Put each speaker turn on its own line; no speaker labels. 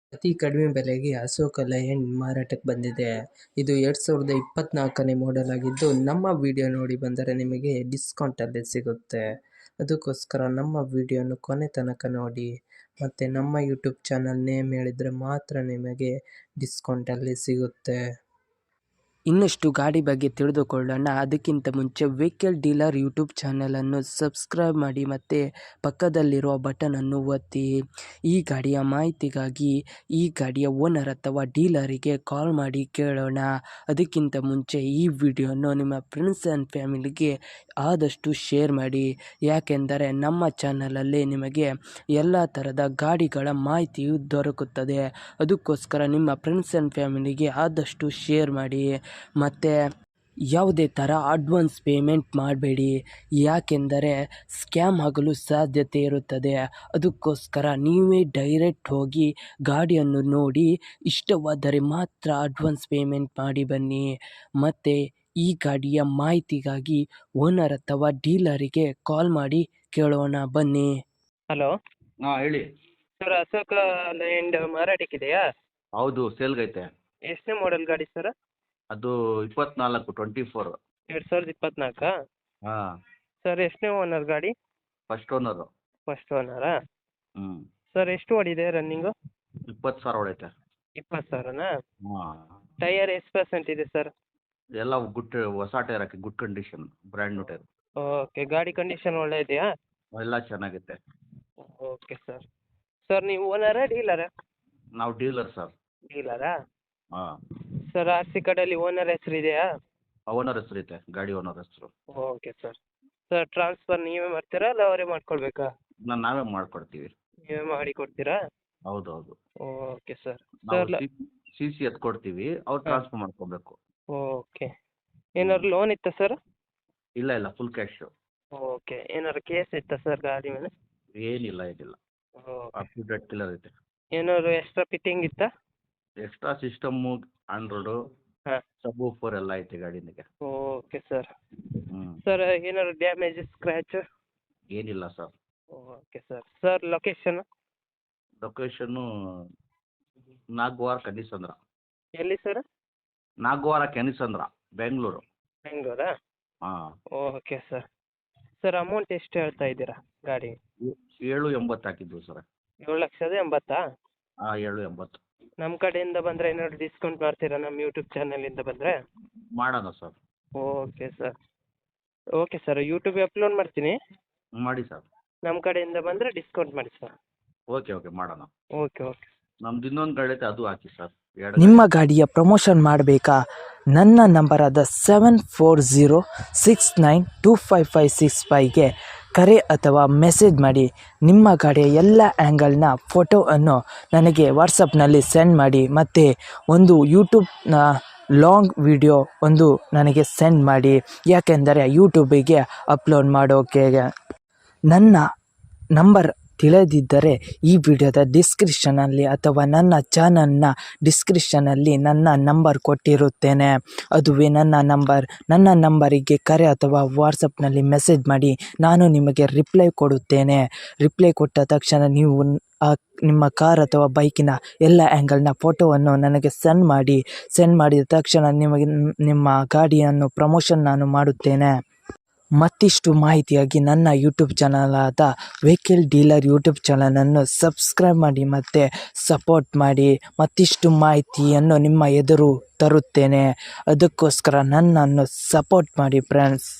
ಅತಿ ಕಡಿಮೆ ಬೆಲೆಗೆ ಅಶೋಕ ಲೈಲ್ಯಾಂಡ್ ಮಾರಾಟಕ್ಕೆ ಬಂದಿದೆ. ಇದು 2024ನೇ ಮಾಡೆಲ್ ಆಗಿದ್ದು, ನಮ್ಮ ವಿಡಿಯೋ ನೋಡಿ ಬಂದರೆ ನಿಮಗೆ ಡಿಸ್ಕೌಂಟಲ್ಲಿ ಸಿಗುತ್ತೆ. ಅದಕ್ಕೋಸ್ಕರ ನಮ್ಮ ವಿಡಿಯೋನ ಕೊನೆ ತನಕ ನೋಡಿ. ಮತ್ತು ನಮ್ಮ ಯೂಟ್ಯೂಬ್ ಚಾನಲ್ ನೇಮ್ ಹೇಳಿದರೆ ಮಾತ್ರ ನಿಮಗೆ ಡಿಸ್ಕೌಂಟಲ್ಲಿ ಸಿಗುತ್ತೆ. ಇನ್ನಷ್ಟು ಗಾಡಿ ಬಗ್ಗೆ ತಿಳಿದುಕೊಳ್ಳೋಣ. ಅದಕ್ಕಿಂತ ಮುಂಚೆ ವೆಹಿಕಲ್ ಡೀಲರ್ ಯೂಟ್ಯೂಬ್ ಚಾನಲನ್ನು ಸಬ್ಸ್ಕ್ರೈಬ್ ಮಾಡಿ ಮತ್ತು ಪಕ್ಕದಲ್ಲಿರುವ ಬಟನನ್ನು ಒತ್ತಿ. ಈ ಗಾಡಿಯ ಮಾಹಿತಿಗಾಗಿ ಈ ಗಾಡಿಯ ಓನರ್ ಅಥವಾ ಡೀಲರಿಗೆ ಕಾಲ್ ಮಾಡಿ ಕೇಳೋಣ. ಅದಕ್ಕಿಂತ ಮುಂಚೆ ಈ ವಿಡಿಯೋನು ನಿಮ್ಮ ಫ್ರೆಂಡ್ಸ್ ಆ್ಯಂಡ್ ಫ್ಯಾಮಿಲಿಗೆ ಆದಷ್ಟು ಶೇರ್ ಮಾಡಿ. ಯಾಕೆಂದರೆ ನಮ್ಮ ಚಾನಲಲ್ಲಿ ನಿಮಗೆ ಎಲ್ಲ ಥರದ ಗಾಡಿಗಳ ಮಾಹಿತಿಯು ದೊರಕುತ್ತದೆ. ಅದಕ್ಕೋಸ್ಕರ ನಿಮ್ಮ ಫ್ರೆಂಡ್ಸ್ ಆ್ಯಂಡ್ ಫ್ಯಾಮಿಲಿಗೆ ಆದಷ್ಟು ಶೇರ್ ಮಾಡಿ. ಮತ್ತು ಯಾವುದೇ ಥರ ಅಡ್ವಾನ್ಸ್ ಪೇಮೆಂಟ್ ಮಾಡಬೇಡಿ, ಯಾಕೆಂದರೆ ಸ್ಕ್ಯಾಮ್ ಆಗಲು ಸಾಧ್ಯತೆ ಇರುತ್ತದೆ. ಅದಕ್ಕೋಸ್ಕರ ನೀವೇ ಡೈರೆಕ್ಟ್ ಹೋಗಿ ಗಾಡಿಯನ್ನು ನೋಡಿ ಇಷ್ಟವಾದರೆ ಮಾತ್ರ ಅಡ್ವಾನ್ಸ್ ಪೇಮೆಂಟ್ ಮಾಡಿ ಬನ್ನಿ. ಮತ್ತು ಈ ಗಾಡಿಯ ಮಾಹಿತಿಗಾಗಿ ಓನರ್ ಅಥವಾ ಡೀಲರಿಗೆ ಕಾಲ್ ಮಾಡಿ ಕೇಳೋಣ ಬನ್ನಿ.
ಹಲೋ
ಹೇಳಿ
ಸರ್, ಅಶೋಕ ಲೈಲ್ಯಾಂಡ್ ಮಾರಾಟಕ್ಕಿದೆಯಾ?
ಹೌದು, ಸೇಲ್ಗೈತೆ.
ಎಷ್ಟನೇ ಮಾಡೆಲ್ ಗಾಡಿ ಸರ್?
ಅದು 24
2024.
ಹಾಂ,
ಸರ್ ಎಷ್ಟನೇ ಓನರ್ ಗಾಡಿ?
First owner.
ಫಸ್ಟ್ ಓನರಾ?
ಹ್ಞೂ,
ಸರ್ ಎಷ್ಟು ಓಡಿದೆ ರನ್ನಿಂಗು?
20,000 ಹೊಡೈತೆ.
20,000ನಾ?
ಹಾಂ,
ಟೈಯರ್ ಎಷ್ಟು ಪರ್ಸೆಂಟ್ ಇದೆ ಸರ್?
ಎಲ್ಲ ಗುಡ್, ಹೊಸ ಟೈರ್ ಹಾಕಿ, good condition, brand new tyre.
Okay, ಗಾಡಿ ಕಂಡೀಷನ್ ಒಳ್ಳೆ ಇದೆಯಾ?
ಎಲ್ಲ ಚೆನ್ನಾಗೈತೆ.
Okay sir. ಸರ್ ನೀವು ಓನರಾ ಡೀಲರಾ?
ನಾವು ಡೀಲರ್ ಸರ್.
ಡೀಲರಾ?
ಹಾಂ,
ಸರ್ ಆರ್ ಸಿ ಕಾರ್ಡಲ್ಲಿ ಓನರ್ ಹೆಸರು ಇದೆಯಾ?
ಓನರ್ ಹೆಸರು ಐತೆ, ಗಾಡಿ ಓನರ್ ಹೆಸರು.
Okay sir. ಸರ್ ಟ್ರಾನ್ಸ್ಫರ್ ನೀವೇ ಮಾಡ್ತೀರಾ ಅಲ್ಲ ಅವರೇ ಮಾಡ್ಕೊಳ್ಬೇಕಾ?
ನಾವೇ ಮಾಡ್ಕೊಡ್ತೀವಿ.
ನೀವೇ ಮಾಡಿ ಕೊಡ್ತೀರಾ?
ಹೌದು ಹೌದು.
Okay sir.
ನಾವು
ಸರ್
ಸಿ ಸಿ ಎತ್ ಕೊಡ್ತೀವಿ, ಅವ್ರು ಟ್ರಾನ್ಸ್ಫರ್ ಮಾಡ್ಕೊಬೇಕು.
ಓಕೆ. ಏನಾದ್ರು ಲೋನ್ ಇತ್ತಾ ಸರ್?
ಇಲ್ಲ, ಫುಲ್ ಕ್ಯಾಶು.
ಓಕೆ. ಏನಾದ್ರು ಕೇಸ್ ಇತ್ತಾ ಸರ್ ಗಾಡಿ ಮೇಲೆ?
ಏನಿಲ್ಲ,
okay.
Up to date clear ಐತೆ.
ಏನಾದ್ರು ಎಕ್ಸ್ಟ್ರಾ ಫಿಟ್ಟಿಂಗ್ ಇತ್ತಾ?
ಎಕ್ಸ್ಟ್ರಾ ಸಿಸ್ಟಮ್ಮು, ಆಂಡ್ರಾಯ್ಡು,
ಹಾಂ.
ಸಬ್ ಊಫರ್ ಎಲ್ಲ ಐತೆ ಗಾಡಿನಿಗೆ.
Okay sir.
ಹ್ಞೂ,
ಸರ್ ಏನಾದ್ರು ಡ್ಯಾಮೇಜ್ ಸ್ಕ್ರ್ಯಾಚ್?
ಏನಿಲ್ಲ sir.
Okay sir. Sir location?
Location Nagavara Kanisandra.
ಎಲ್ಲಿ ಸರ್?
ನಾಗವಾರ ಕೆನಿಸಂದ್ರ, ಬೆಂಗಳೂರು.
ಬೆಂಗಳೂರಾ?
ಹಾಂ,
ಓಕೆ ಸರ್. ಸರ್ ಅಮೌಂಟ್ ಎಷ್ಟು ಹೇಳ್ತಾ ಇದ್ದೀರಾ ಗಾಡಿ?
780 ಹಾಕಿದ್ವಿ ಸರ್.
7,80,000?
ಹಾಂ, 780.
ನಮ್ಮ ಕಡೆಯಿಂದ ಬಂದರೆ ಏನಾದ್ರು ಡಿಸ್ಕೌಂಟ್ ಮಾಡ್ತೀರಾ ನಮ್ಮ ಯೂಟ್ಯೂಬ್ ಚಾನಲಿಂದ ಬಂದರೆ?
ಮಾಡೋಣ sir.
Okay sir. Okay sir, ಯೂಟ್ಯೂಬಿಗೆ ಅಪ್ಲೋಡ್ ಮಾಡ್ತೀನಿ.
ಮಾಡಿ ಸರ್.
ನಮ್ಮ ಕಡೆಯಿಂದ ಬಂದರೆ ಡಿಸ್ಕೌಂಟ್ ಮಾಡಿ ಸರ್.
ಓಕೆ, ಮಾಡೋಣ.
ಓಕೆ.
ನಮ್ದು ಇನ್ನೊಂದು ಗಾಡಿ ಐತೆ, ಅದು ಹಾಕಿ ಸರ್.
ನಿಮ್ಮ ಗಾಡಿಯ ಪ್ರಮೋಷನ್ ಮಾಡಬೇಕಾ? ನನ್ನ ನಂಬರಾದ 7406925565ಗೆ ಕರೆ ಅಥವಾ ಮೆಸೇಜ್ ಮಾಡಿ. ನಿಮ್ಮ ಗಾಡಿಯ ಎಲ್ಲ ಆ್ಯಂಗಲ್ನ ಫೋಟೋವನ್ನು ನನಗೆ ವಾಟ್ಸಪ್ನಲ್ಲಿ ಸೆಂಡ್ ಮಾಡಿ. ಮತ್ತು ಒಂದು ಯೂಟ್ಯೂಬ್ನ ಲಾಂಗ್ ವಿಡಿಯೋ ಒಂದು ನನಗೆ ಸೆಂಡ್ ಮಾಡಿ, ಯಾಕೆಂದರೆ ಯೂಟ್ಯೂಬಿಗೆ ಅಪ್ಲೋಡ್ ಮಾಡೋಕೆ. ನನ್ನ ನಂಬರ್ ತಿಳಿದಿದ್ದರೆ ಈ ವಿಡಿಯೋದ ಡಿಸ್ಕ್ರಿಪ್ಷನಲ್ಲಿ ಅಥವಾ ನನ್ನ ಚಾನಲ್ನ ಡಿಸ್ಕ್ರಿಪ್ಷನಲ್ಲಿ ನನ್ನ ನಂಬರ್ ಕೊಟ್ಟಿರುತ್ತೇನೆ. ಅದುವೇ ನನ್ನ ನಂಬರಿಗೆ ಕರೆ ಅಥವಾ ವಾಟ್ಸಪ್ನಲ್ಲಿ ಮೆಸೇಜ್ ಮಾಡಿ, ನಾನು ನಿಮಗೆ ರಿಪ್ಲೈ ಕೊಡುತ್ತೇನೆ. ರಿಪ್ಲೈ ಕೊಟ್ಟ ತಕ್ಷಣ ನೀವು ನಿಮ್ಮ ಕಾರ್ ಅಥವಾ ಬೈಕಿನ ಎಲ್ಲ ಆ್ಯಂಗಲ್ನ ಫೋಟೋವನ್ನು ನನಗೆ ಸೆಂಡ್ ಮಾಡಿದ ತಕ್ಷಣ ನಿಮಗೆ ನಿಮ್ಮ ಗಾಡಿಯನ್ನು ಪ್ರಮೋಷನ್ ನಾನು ಮಾಡುತ್ತೇನೆ. ಮತ್ತಿಷ್ಟು ಮಾಹಿತಿಯಾಗಿ ನನ್ನ ಯೂಟ್ಯೂಬ್ ಚಾನಲಾದ ವೆಹಿಕಲ್ ಡೀಲರ್ ಯೂಟ್ಯೂಬ್ ಚಾನಲನ್ನು ಸಬ್ಸ್ಕ್ರೈಬ್ ಮಾಡಿ ಮತ್ತು ಸಪೋರ್ಟ್ ಮಾಡಿ. ಮತ್ತಿಷ್ಟು ಮಾಹಿತಿಯನ್ನು ನಿಮ್ಮ ಎದುರು ತರುತ್ತೇನೆ. ಅದಕ್ಕೋಸ್ಕರ ನನ್ನನ್ನು ಸಪೋರ್ಟ್ ಮಾಡಿ ಫ್ರೆಂಡ್ಸ್.